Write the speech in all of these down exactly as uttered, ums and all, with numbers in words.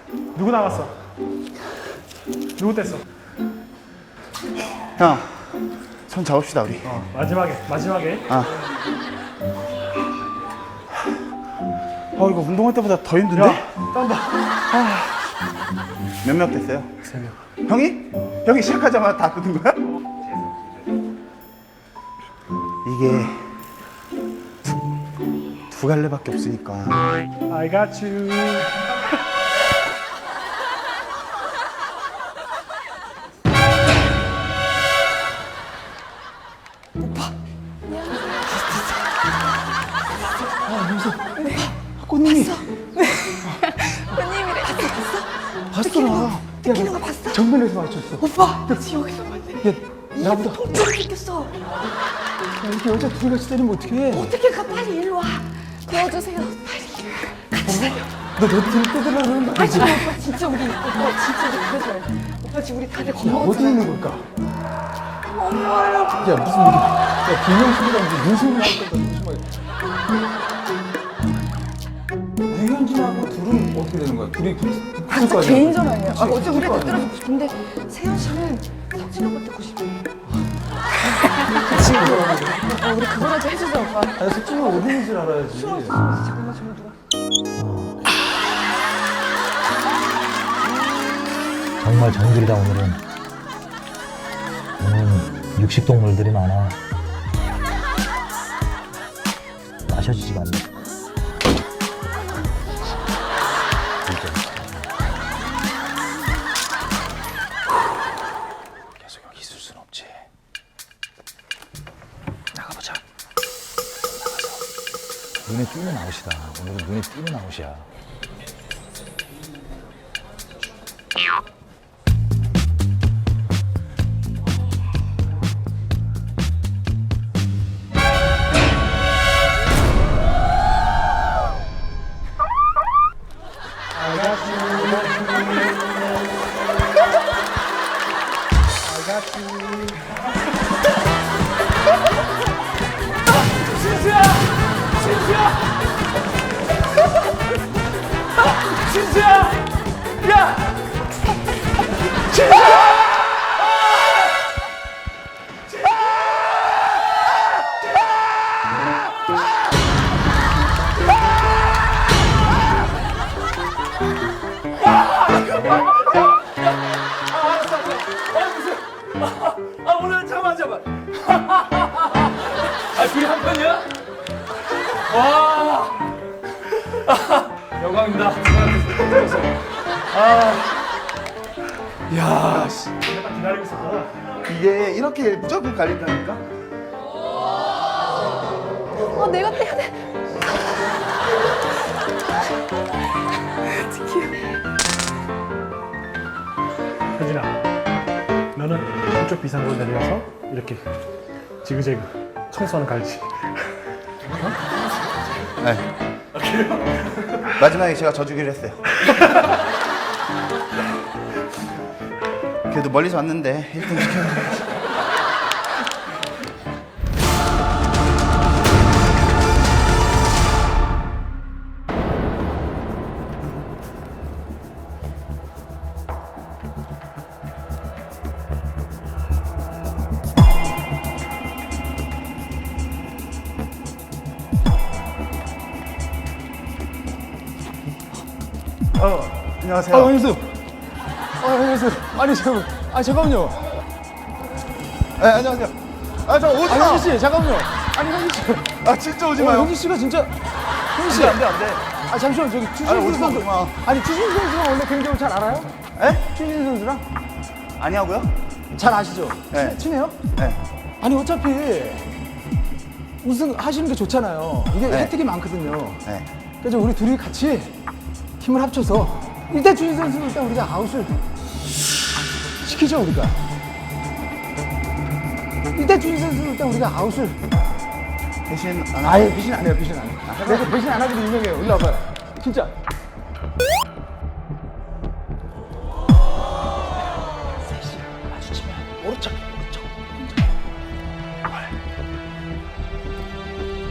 누구 나갔어? 누구 뗐어? 형, 손 잡읍시다 우리. 어, 마지막에 마지막에. 아. 어 이거 운동할 때보다 더 힘든데? 야, 딴다. 몇 명 됐어요? 세 명. 형이? 형이 시작하자마자 다 뜯은 거야? 이게 두, 두 갈래밖에 없으니까. I got you. 꽃님이 손님이래. 봤어 나. 느끼는 거 봤어? 정면에서 맞췄어. 오빠, 여기서 봤네. 야, 나보다 통증을 느꼈어. 야, 이렇게 여자 둘이 같이 때리면 어떡해? 어떻게 가? 빨리 일로 와. 도와주세요. 빨리. 같이 살려. 너 내 뒤를 뜯으려고 그러는 거 아니, 아니지? 오빠 진짜 우리 오빠 진짜 우리 그러지 말자. 오빠 지금 우리 다들 어디 겁먹었잖아. 있는 걸까? 엄마야. 야 무슨 이게 야 김영식이랑 무슨 윤승이 나올 거다 조심하게. 유현진하고 둘은 어떻게 되는 거야? 둘이 붙을 아, 진짜 거 아니야? 개인전 아니야. 아, 그치? 어제 우리가 붙을 거 아니야? 들어주고 싶은데 세현 씨는 석진 오빠 듣고 싶어. 그치. 어, 우리 그거라도 해주자 오빠. 아니 석진이 어디인 줄 알아야지. 잠깐만 잠깐만 누가. 정말 정글이다 오늘은. 오늘은 육식동물들이 많아. 마셔지지가 않네. 계속 여기 있을 순 없지. 나가보자. 나가서 눈에 띄는 아웃이다. 오늘은 눈에 띄는 아웃이야. 진수야! 진수야! 진수야! 야! 진수야! 아 오늘 잠깐만 잠깐만. 아 둘이 한 편이야? 와. 영광입니다. 아. 야 씨. 내가 기다리고 있었구나. 이게 이렇게 무조건 갈린다니까? 어, 내가 떼야 돼. 혜진아, 너는 이쪽 비상으로 내려서 이렇게 지그재그 청소하는 갈지. 네. 마지막에 제가 져주기로 했어요. 그래도 멀리서 왔는데 일 등 시켜야 돼. 어, 안녕하세요. 아, 안녕하세요. 아, 안녕하세요. 아니, 잠깐, 아, 잠깐만요. 네, 안녕하세요. 아, 저 오지 아, 마. 현지 씨, 잠깐만요. 아니, 현지 씨. 아, 진짜 오지 어, 마요. 현지 씨가 진짜. 현지 씨. 안 돼, 안 돼. 아, 잠시만, 저기 아니, 추신수 오지 마, 선수. 오지 마. 아니, 추신수 선수랑 원래 개인적으로 잘 알아요? 에? 추신수 선수랑? 아니하고요? 잘 아시죠? 네. 친- 친해요? 네. 아니, 어차피 우승 하시는 게 좋잖아요. 이게 네. 혜택이 많거든요. 네. 그래서 우리 둘이 같이 힘을 합쳐서 일단 추신수 선수는 일단 우리가 아웃을 시키죠, 우리가. 일단 추신수 선수는 일단 우리가 아웃을. 대신 안 하. 아예 배신 안 해요, 배신 안 해요. 내가 배신 안 하기로 유명해요. 일로 와봐요. 진짜. 오른쪽, 오른쪽.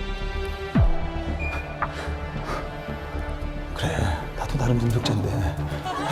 그래, 나도 나름 능력자인데